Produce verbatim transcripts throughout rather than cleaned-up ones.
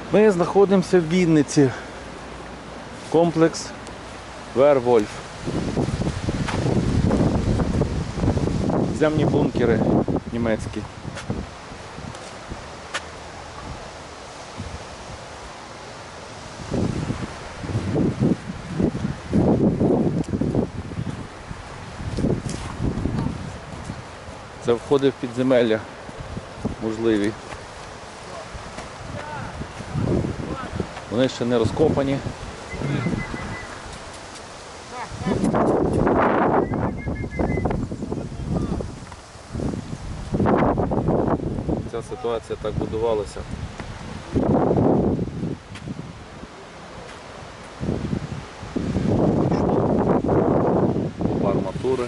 Ми знаходимося в Вінниці. Комплекс Вервольф. Земні бункери німецькі. Це входи в підземелля можливі. Вони ще не розкопані. Ця ситуація так будувалася. Купа арматури.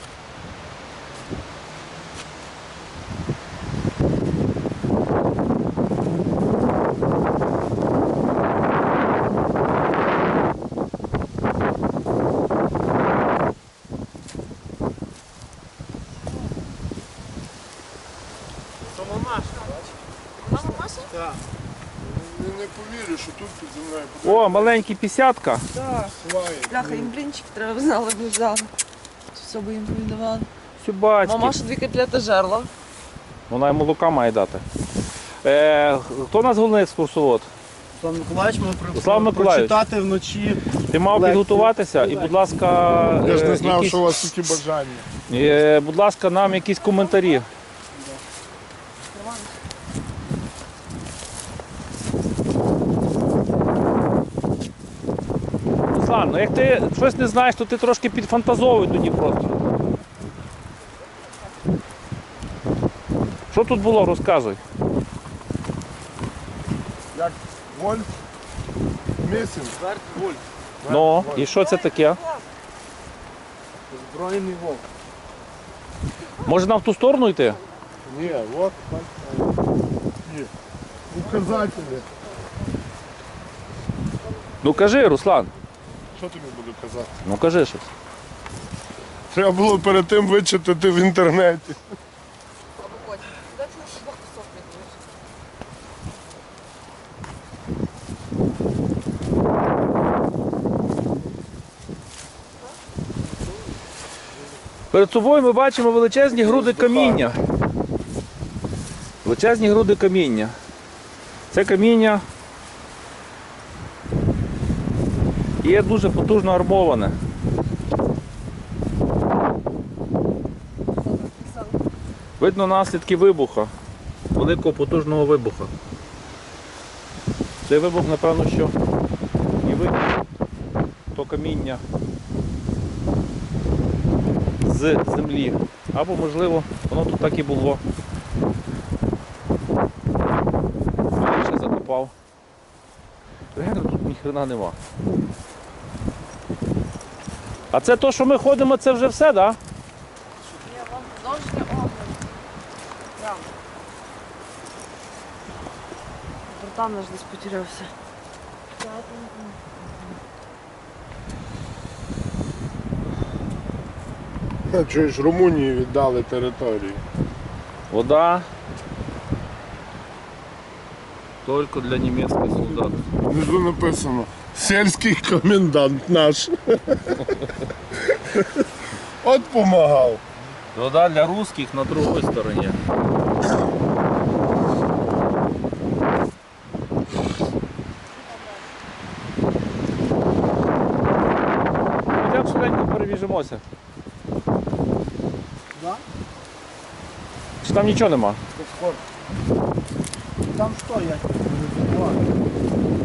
Так. Не, не повірю, що тут під землею. О, маленький пісятка. Так. Бляха, їм блінчик треба знали, б взяли. Все би їм повідавали. Сюбачки. Мама ще дві котлети жерла. Вона й молока має дати. Е, хто у нас головний екскурсовод? Руслан Миколаївич, ми про- Руслан Миколаївич. прочитати вночі. Ти мав Лекцію. підготуватися і, будь ласка, Я ж е, не знав, якісь, що у вас такі бажання. е, будь ласка, нам якісь коментарі. Руслан, ну як ти щось не знаєш, то ти трошки підфантазовуй тоді просто. Що тут було, розказуй. Як Вольф Місін. Верт Вольф. Ну, і що це таке? Збройний вовк. Може нам в ту сторону йти? Ні, от так. Ні. Указателі. Ну кажи, Руслан. Що тобі буду казати? Ну кажи щось. Треба було перед тим вичитати в інтернеті. Або потім. Де ти на собак високий будеш? Перед собою ми бачимо величезні груди каміння. Величезні груди каміння. Це каміння є дуже потужно армоване. Видно наслідки вибуха, великого потужного вибуха. Цей вибух, напевно, що і вибух то каміння з землі. Або, можливо, воно тут так і було. Я ще закопав. Реально тут ніхрена нема. А це то, що ми ходимо, це вже все, так? Да? Ні, вам продовжити огляд. Прямо. Братан наш десь потерявся. Чуєш, Румунії віддали територію. Вода тільки для німецьких солдат. Внизу написано сільський комендант наш. От помагав. Вода для русских на другій стороні. Йдемо швиденько перевіжимося. Да? Чи там нічого нема? Там що я?